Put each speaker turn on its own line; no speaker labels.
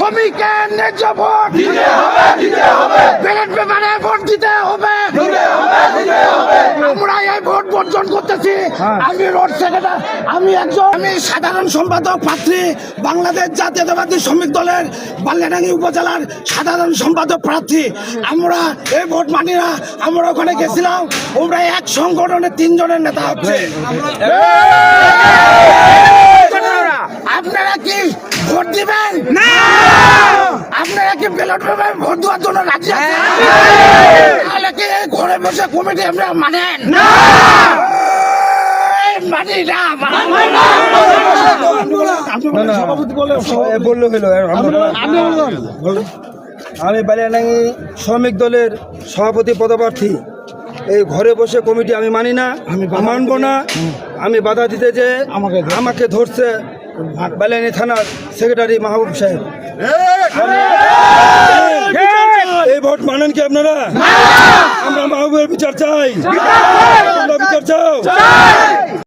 শ্রমিকের ন্যায্য vote ballot পেপারে ভোট দিতে হবে। আমরা এই ভোট বর্জন করতেছি। আমি রোড সেক্রেটারি, আমি সাধারণ সম্পাদক প্রার্থী, বাংলাদেশ জাতীয়তাবাদী শ্রমিক দলের বালিয়াডাঙ্গি উপজেলার সাধারণ সম্পাদক প্রার্থী। আমরা এই ভোট মানি না। আমরা ওখানে গেছিলাম, আমরা এক সংগঠনের 3 জনের নেতা হচ্ছে। আপনারা কি ভোট দিবেন? না। আপনারা কি ব্যালট পেপারে ভোট দেওয়ার জন্য রাজি আছেন? তাহলে কি ঘরে বসে কমিটি আপনারা মানেন? না। মানি না।
আমি বালিয়াডাঙ্গি শ্রমিক দলের সভাপতি পদপ্রার্থী। এই ঘরে বসে কমিটি আমি মানি না, আমি মানব না। আমি বাধা দিতে যে আমাকে ধরছে বালিয়াডাঙ্গি থানার সেক্রেটারি মাহবুব সাহেব। এই ভোট মানেন কি আপনারা? আমরা মাহবুবের বিচার চাই। বিচার চাও।